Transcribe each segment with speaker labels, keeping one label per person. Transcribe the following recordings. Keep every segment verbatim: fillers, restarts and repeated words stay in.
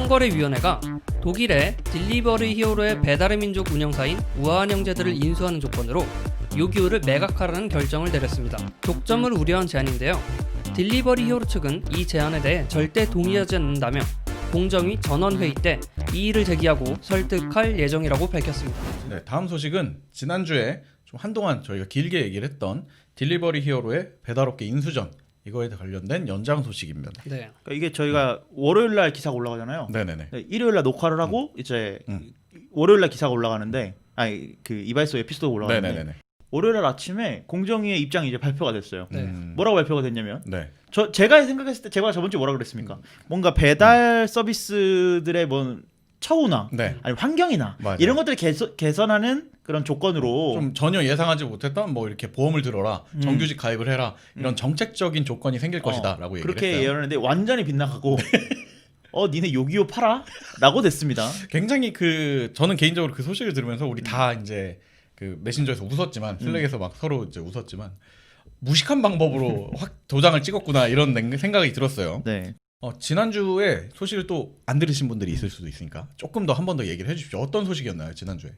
Speaker 1: 공정거래위원회가 독일의 딜리버리 히어로의 배달의 민족 운영사인 우아한 형제들을 인수하는 조건으로 요기요를 매각하라는 결정을 내렸습니다. 독점을 우려한 제안인데요. 딜리버리 히어로 측은 이 제안에 대해 절대 동의하지 않는다며 공정위 전원회의 때 이의를 제기하고 설득할 예정이라고 밝혔습니다.
Speaker 2: 네, 다음 소식은 지난주에 좀 한동안 저희가 길게 얘기를 했던 딜리버리 히어로의 배달업계 인수전, 이거에 관련된 연장 소식입니다.
Speaker 3: 네. 그러니까 이게 저희가 월요일 날 기사가 올라가잖아요.
Speaker 2: 네네네.
Speaker 3: 네, 일요일 날 녹화를 하고
Speaker 2: 음.
Speaker 3: 이제
Speaker 2: 음.
Speaker 3: 월요일 날 기사가 올라가는데, 아니 그 이발소 에피소드 올라가는데,
Speaker 2: 네네네.
Speaker 3: 월요일 날 아침에 공정위의 입장이 이제 발표가 됐어요.
Speaker 1: 네.
Speaker 2: 음.
Speaker 3: 뭐라고 발표가 됐냐면,
Speaker 2: 네.
Speaker 3: 저 제가 생각했을 때 제가 저번 주에 뭐라 그랬습니까?
Speaker 2: 음.
Speaker 3: 뭔가 배달 서비스들의 뭐 처우나
Speaker 2: 네.
Speaker 3: 아니 환경이나
Speaker 2: 맞아요.
Speaker 3: 이런 것들을 개선, 개선하는 그런 조건으로
Speaker 2: 좀 전혀 예상하지 못했던 뭐 이렇게 보험을 들어라,
Speaker 3: 음.
Speaker 2: 정규직 가입을 해라, 이런
Speaker 3: 음.
Speaker 2: 정책적인 조건이 생길
Speaker 3: 어,
Speaker 2: 것이다라고 얘기를
Speaker 3: 그렇게
Speaker 2: 했어요.
Speaker 3: 예언했는데 완전히 빗나가고 어 니네 요기요 팔아? 라고 됐습니다.
Speaker 2: 굉장히 그 저는 개인적으로 그 소식을 들으면서 우리 다 이제 그 메신저에서 웃었지만, 슬랙에서 막 서로 이제 웃었지만 무식한 방법으로 확 도장을 찍었구나 이런 생각이 들었어요.
Speaker 3: 네.
Speaker 2: 어, 지난주에 소식을 또 안 들으신 분들이 있을 수도 있으니까 조금 더 한 번 더 얘기를 해주십시오. 어떤 소식이었나요 지난주에?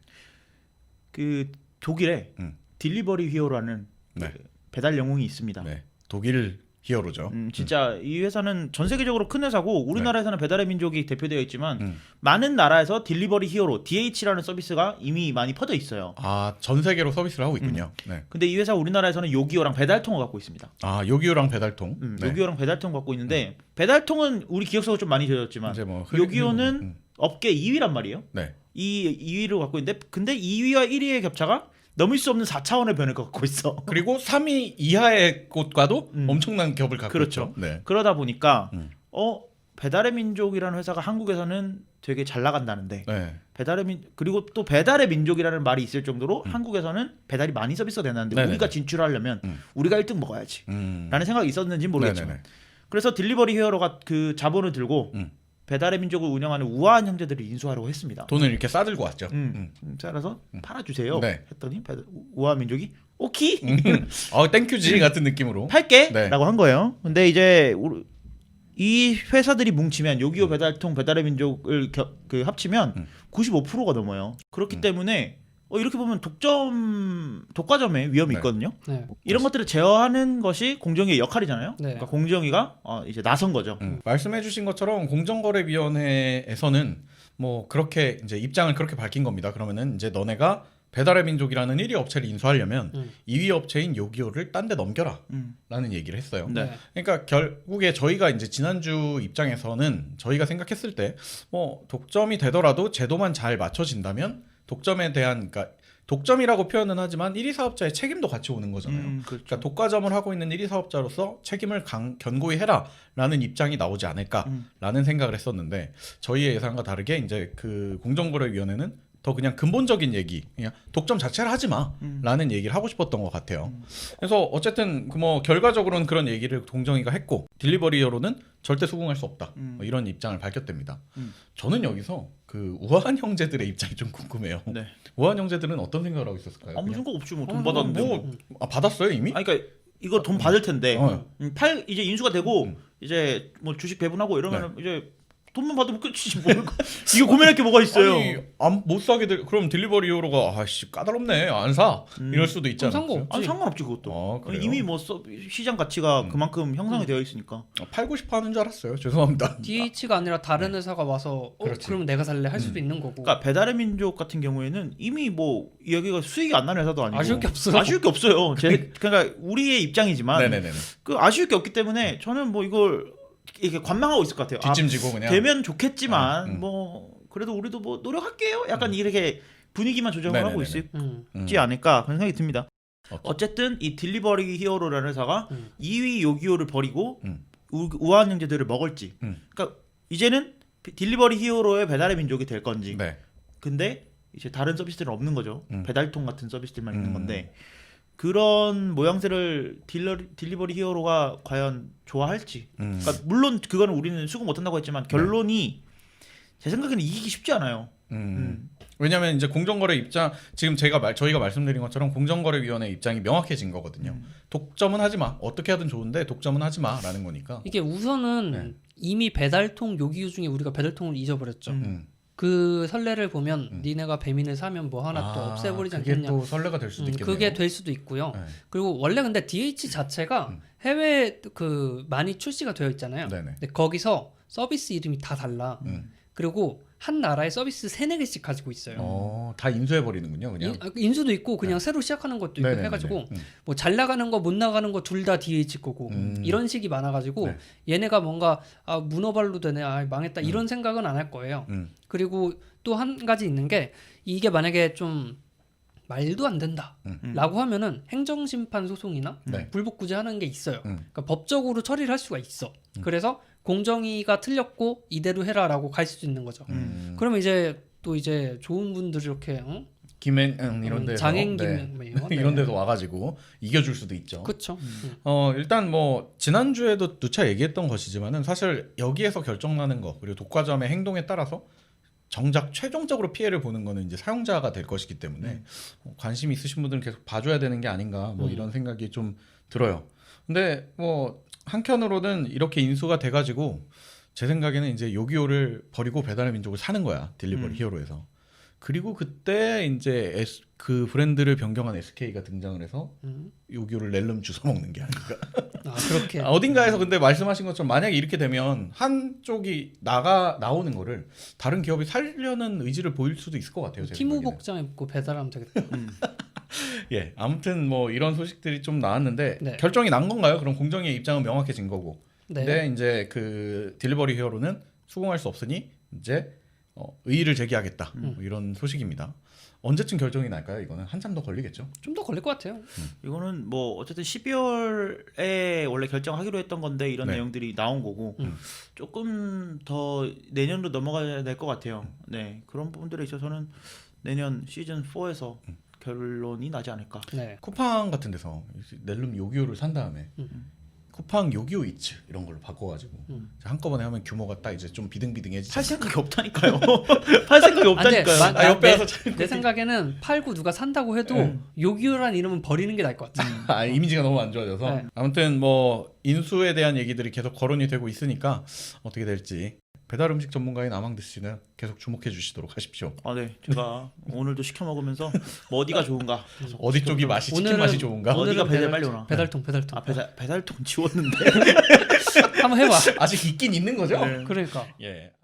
Speaker 3: 그 독일에
Speaker 2: 음.
Speaker 3: 딜리버리 히어로라는
Speaker 2: 네.
Speaker 3: 그 배달 영웅이 있습니다.
Speaker 2: 네, 독일 히어로죠.
Speaker 3: 음, 진짜 이 회사는 전 세계적으로 큰 회사고 우리나라에서는 배달의 민족이 대표되어 있지만
Speaker 2: 음.
Speaker 3: 많은 나라에서 딜리버리 히어로 디에이치라는 서비스가 이미 많이 퍼져 있어요.
Speaker 2: 아, 전 세계로 서비스를 하고 있군요.
Speaker 3: 음.
Speaker 2: 네.
Speaker 3: 근데 이 회사 우리나라에서는 요기요랑 배달통을 갖고 있습니다.
Speaker 2: 아, 요기요랑 배달통.
Speaker 3: 음,
Speaker 2: 네.
Speaker 3: 요기요랑 배달통 갖고 있는데 배달통은 우리 기억 속으로 좀 많이 젖었지만
Speaker 2: 이제 뭐 흐-
Speaker 3: 요기요는
Speaker 2: 음.
Speaker 3: 업계 이 위란 말이에요.
Speaker 2: 네.
Speaker 3: 이 이 위를 갖고 있는데 근데 이 위와 일 위의 격차가 넘을 수 없는 사 차원의 변을 갖고 있어.
Speaker 2: 그리고 삼 위 이하의 곳과도
Speaker 3: 음.
Speaker 2: 엄청난 겹을 갖고
Speaker 3: 그렇죠.
Speaker 2: 있죠. 네.
Speaker 3: 그러다 보니까
Speaker 2: 음.
Speaker 3: 어 배달의 민족이라는 회사가 한국에서는 되게 잘 나간다는데
Speaker 2: 네.
Speaker 3: 배달의 민 그리고 또 배달의 민족이라는 말이 있을 정도로
Speaker 2: 음.
Speaker 3: 한국에서는 배달이 많이 서비스가 되는데
Speaker 2: 네네네.
Speaker 3: 우리가 진출하려면
Speaker 2: 음.
Speaker 3: 우리가 일 등 먹어야지
Speaker 2: 음.
Speaker 3: 라는 생각이 있었는지 모르겠지만
Speaker 2: 네네네.
Speaker 3: 그래서 딜리버리 히어로가 그 자본을 들고
Speaker 2: 음.
Speaker 3: 배달의 민족을 운영하는 우아한 형제들을 인수하려고 했습니다.
Speaker 2: 돈을 이렇게 싸들고 왔죠.
Speaker 3: 음.
Speaker 2: 음.
Speaker 3: 음, 따라서
Speaker 2: 음.
Speaker 3: 팔아주세요
Speaker 2: 네.
Speaker 3: 했더니 배달, 우아한 민족이 오케이
Speaker 2: 음. 어, 땡큐지 같은 느낌으로.
Speaker 3: 팔게
Speaker 2: 네.
Speaker 3: 라고 한 거예요. 근데 이제 우리- 이 회사들이 뭉치면 요기요 배달통 배달의 민족을 겨, 그 합치면
Speaker 2: 음.
Speaker 3: 구십오 퍼센트가 넘어요. 그렇기
Speaker 2: 음.
Speaker 3: 때문에 어, 이렇게 보면 독점 독과점의 위험이
Speaker 2: 네.
Speaker 3: 있거든요.
Speaker 1: 네.
Speaker 3: 이런 것들을 제어하는 것이 공정위의 역할이잖아요.
Speaker 1: 네.
Speaker 3: 그러니까 공정위가 어, 이제 나선 거죠.
Speaker 2: 음. 말씀해주신 것처럼 공정거래위원회에서는 뭐 그렇게 이제 입장을 그렇게 밝힌 겁니다. 그러면은 이제 너네가 배달의 민족이라는 일 위 업체를 인수하려면
Speaker 1: 음.
Speaker 2: 이 위 업체인 요기요를 딴 데 넘겨라
Speaker 3: 음.
Speaker 2: 라는 얘기를 했어요.
Speaker 3: 네.
Speaker 1: 네.
Speaker 2: 그러니까 결국에 저희가 이제 지난주 입장에서는 저희가 생각했을 때 뭐 독점이 되더라도 제도만 잘 맞춰진다면 독점에 대한, 그러니까 독점이라고 표현은 하지만 일 위 사업자의 책임도 같이 오는 거잖아요.
Speaker 3: 음, 그렇죠.
Speaker 2: 그러니까 독과점을 하고 있는 일 위 사업자로서 책임을 강, 견고히 해라라는 입장이 나오지
Speaker 3: 음.
Speaker 2: 않을까라는 생각을 했었는데, 저희의 예상과 다르게 이제 그 공정거래위원회는 더 그냥 근본적인 얘기, 그냥 독점 자체를 하지 마라는
Speaker 3: 음.
Speaker 2: 얘기를 하고 싶었던 것 같아요.
Speaker 3: 음.
Speaker 2: 그래서 어쨌든 그 뭐 결과적으로는 그런 얘기를 공정위가 했고, 딜리버리어로는 절대 수긍할 수 없다,
Speaker 3: 음.
Speaker 2: 뭐 이런 입장을 밝혔답니다.
Speaker 3: 음.
Speaker 2: 저는 여기서 그 우아한 형제들의 입장이 좀 궁금해요.
Speaker 3: 네.
Speaker 2: 우아한 형제들은 어떤 생각을 하고 있었을까요?
Speaker 3: 아무
Speaker 2: 그냥?
Speaker 3: 생각 없지 뭐 돈
Speaker 1: 어,
Speaker 3: 받았는데.
Speaker 2: 뭐,
Speaker 3: 뭐.
Speaker 2: 아, 받았어요 이미?
Speaker 3: 아니 그러니까 이거 돈 받을 텐데
Speaker 2: 어.
Speaker 3: 음, 팔 이제 인수가 되고
Speaker 2: 음.
Speaker 3: 이제 뭐 주식 배분하고 이러면 이제 돈만 받으면 끝이지 뭐 이거 고민할 게 뭐가 있어요.
Speaker 2: 아니, 안, 못 사게 될, 그럼 딜리버리어로가 아씨 까다롭네 안 사,
Speaker 3: 음.
Speaker 2: 이럴 수도 있지
Speaker 1: 그럼
Speaker 2: 않아요?
Speaker 1: 상관없지.
Speaker 3: 아니 상관없지 그것도.
Speaker 2: 어, 그래요?
Speaker 3: 이미 뭐 서, 시장 가치가
Speaker 2: 음.
Speaker 3: 그만큼 형성이
Speaker 1: 음.
Speaker 3: 되어 있으니까.
Speaker 2: 팔고 싶어 하는 줄 알았어요. 죄송합니다.
Speaker 1: 디에이치가 아니라 다른 회사가 와서 어,
Speaker 2: 그렇지.
Speaker 1: 그럼 내가 살래 할 수도
Speaker 2: 음.
Speaker 1: 있는 거고.
Speaker 3: 그러니까 배달의 민족 같은 경우에는 이미 뭐 여기가 수익이 안 나는 회사도 아니고
Speaker 1: 아쉬울 게 없어요.
Speaker 3: 아쉬울 게 없어요. 제, 그러니까 우리의 입장이지만
Speaker 2: 네네네.
Speaker 3: 그 아쉬울 게 없기 때문에 저는 뭐 이걸 이렇게 관망하고 있을 것 같아요. 아,
Speaker 2: 뒷짐지고 그냥.
Speaker 3: 되면 좋겠지만
Speaker 2: 아, 음.
Speaker 3: 뭐 그래도 우리도 뭐 노력할게요. 약간 이렇게 분위기만 조정을
Speaker 2: 네네네네.
Speaker 3: 하고 있을지
Speaker 1: 음.
Speaker 2: 음.
Speaker 3: 않을까 그런 생각이 듭니다.
Speaker 2: 어,
Speaker 3: 어쨌든 이 딜리버리 히어로라는 회사가
Speaker 1: 음.
Speaker 3: 이 위 요기요를 버리고
Speaker 2: 음.
Speaker 3: 우, 우아한 형제들을 먹을지.
Speaker 2: 음.
Speaker 3: 그러니까 이제는 딜리버리 히어로의 배달의 민족이 될 건지.
Speaker 2: 네.
Speaker 3: 근데 이제 다른 서비스들은 없는 거죠.
Speaker 2: 음.
Speaker 3: 배달통 같은 서비스들만 있는
Speaker 2: 음.
Speaker 3: 건데 그런 모양새를 딜러, 딜리버리 히어로가 과연 좋아할지.
Speaker 2: 음.
Speaker 3: 그러니까 물론 그거는 우리는 수긍 못한다고 했지만 결론이 제 생각에는 이기기 쉽지 않아요.
Speaker 2: 음.
Speaker 3: 음.
Speaker 2: 왜냐하면 이제 공정거래 입장 지금 제가 말, 저희가 말씀드린 것처럼 공정거래위원회 입장이 명확해진 거거든요.
Speaker 3: 음.
Speaker 2: 독점은 하지 마. 어떻게 하든 좋은데 독점은 하지 마라는 거니까.
Speaker 1: 이게 우선은
Speaker 2: 네.
Speaker 1: 이미 배달통 요기요 중에 우리가 배달통을 잊어버렸죠.
Speaker 3: 음.
Speaker 2: 음.
Speaker 1: 그 선례를 보면
Speaker 2: 음.
Speaker 1: 니네가 배민을 사면 뭐 하나 또
Speaker 2: 아,
Speaker 1: 없애버리지
Speaker 2: 그게
Speaker 1: 않겠냐.
Speaker 2: 또 선례가 될 수도
Speaker 1: 음,
Speaker 2: 있겠네요.
Speaker 1: 그게 될 수도 있고요.
Speaker 2: 네.
Speaker 1: 그리고 원래 근데 디에이치 자체가
Speaker 2: 음.
Speaker 1: 해외 그 많이 출시가 되어 있잖아요.
Speaker 2: 네네.
Speaker 1: 근데 거기서 서비스 이름이 다 달라.
Speaker 2: 음.
Speaker 1: 그리고 한 나라의 서비스 세네 개씩 가지고 있어요.
Speaker 2: 어, 다 인수해 버리는군요, 그냥.
Speaker 1: 인, 아, 인수도 있고 그냥
Speaker 2: 네.
Speaker 1: 새로 시작하는 것도 있고
Speaker 2: 네네네네.
Speaker 1: 해가지고
Speaker 2: 음.
Speaker 1: 뭐 잘 나가는 거 못 나가는 거 둘 다 디에이치 거고
Speaker 2: 음.
Speaker 1: 이런 식이 많아가지고
Speaker 2: 네.
Speaker 1: 얘네가 뭔가 아, 문어발로 되네, 아, 망했다
Speaker 2: 음.
Speaker 1: 이런 생각은 안 할 거예요.
Speaker 2: 음.
Speaker 1: 그리고 또 한 가지 있는 게 이게 만약에 좀 말도 안 된다라고
Speaker 2: 음.
Speaker 1: 하면은 행정심판 소송이나
Speaker 2: 네.
Speaker 1: 불복구제하는 게 있어요.
Speaker 2: 음.
Speaker 1: 그러니까 법적으로 처리를 할 수가 있어.
Speaker 2: 음.
Speaker 1: 그래서 공정위가 틀렸고 이대로 해라라고 갈 수도 있는 거죠.
Speaker 2: 음.
Speaker 1: 그러면 이제 또 이제 좋은 분들이 이렇게 응?
Speaker 2: 김행 음, 이런
Speaker 1: 음,
Speaker 2: 데서
Speaker 1: 장행
Speaker 2: 네.
Speaker 1: 김행 네.
Speaker 2: 이런 데서 와가지고 이겨줄 수도 있죠.
Speaker 1: 그렇죠.
Speaker 2: 어 일단 뭐 지난주에도 누차 얘기했던 것이지만은 사실 여기에서 결정나는 거 그리고 독과점의 행동에 따라서 정작 최종적으로 피해를 보는 거는 이제 사용자가 될 것이기 때문에
Speaker 3: 음.
Speaker 2: 뭐 관심 있으신 분들은 계속 봐줘야 되는 게 아닌가 뭐
Speaker 1: 음.
Speaker 2: 이런 생각이 좀 들어요. 근데 뭐 한켠으로는 이렇게 인수가 돼가지고 제 생각에는 이제 요기요를 버리고 배달의 민족을 사는 거야 딜리버리
Speaker 3: 음.
Speaker 2: 히어로에서. 그리고 그때 이제 S, 그 브랜드를 변경한 에스케이가 등장을 해서
Speaker 1: 음.
Speaker 2: 요기요를 낼름 주워 먹는 게 아닌가.
Speaker 1: 아 그렇게
Speaker 2: 아, 어딘가에서 근데 말씀하신 것처럼 만약에 이렇게 되면 한쪽이 나가 나오는 거를 다른 기업이 살려는 의지를 보일 수도 있을 것 같아요. 제
Speaker 1: 티모
Speaker 2: 생각에는.
Speaker 1: 복장 입고 배달하면 되겠다.
Speaker 3: 음.
Speaker 2: 예, 아무튼 뭐 이런 소식들이 좀 나왔는데
Speaker 1: 네.
Speaker 2: 결정이 난 건가요? 그럼 공정위의 입장은 명확해진 거고.
Speaker 1: 네.
Speaker 2: 근데 이제 그 딜리버리 히어로는 수긍할 수 없으니 이제 어, 의의를 제기하겠다.
Speaker 1: 음.
Speaker 2: 뭐 이런 소식입니다. 언제쯤 결정이 날까요? 이거는 한참 더 걸리겠죠.
Speaker 1: 좀 더 걸릴 것 같아요.
Speaker 3: 이거는 뭐 어쨌든 십이월에 원래 결정하기로 했던 건데 이런
Speaker 2: 네.
Speaker 3: 내용들이 나온 거고
Speaker 1: 음.
Speaker 3: 조금 더 내년으로 넘어가야 될 것 같아요. 네, 그런 부분들에 있어서는 내년 시즌 사에서
Speaker 2: 음.
Speaker 3: 결론이 나지 않을까.
Speaker 1: 네.
Speaker 2: 쿠팡 같은 데서 낼름 요기요를 산 다음에
Speaker 1: 음.
Speaker 2: 쿠팡 요기요 이츠 이런 걸로 바꿔가지고
Speaker 1: 음.
Speaker 2: 한꺼번에 하면 규모가 딱 이제 좀 비등비등해지죠.
Speaker 3: 팔 생각이 없다니까요. 팔 생각이 없다니까요.
Speaker 1: 아, 근데
Speaker 2: 아, 옆에
Speaker 1: 내,
Speaker 2: 와서 잘
Speaker 1: 내 생각에는 팔고 누가 산다고 해도
Speaker 2: 네.
Speaker 1: 요기요란 이름은 버리는 게 나을 것 같아.
Speaker 2: 아, 이미지가 너무 안 좋아져서
Speaker 1: 네.
Speaker 2: 아무튼 뭐 인수에 대한 얘기들이 계속 거론이 되고 있으니까 어떻게 될지 배달 음식 전문가인 아망드 씨는 계속 주목해 주시도록 하십시오.
Speaker 3: 아, 네, 제가 오늘도 시켜 먹으면서 뭐 어디가 좋은가.
Speaker 2: 어디 쪽이 맛이 치킨
Speaker 1: 오늘은-
Speaker 2: 맛이 좋은가?
Speaker 3: 어디가
Speaker 1: 오늘은
Speaker 3: 배달
Speaker 1: 배달-
Speaker 3: 빨리 오나.
Speaker 1: 배달통 배달통.
Speaker 3: 아, 배달 배달통 지웠는데.
Speaker 1: 한번 해봐.
Speaker 2: 아직 있긴 있는 거죠?
Speaker 3: 네.
Speaker 1: 그러니까.
Speaker 2: 예.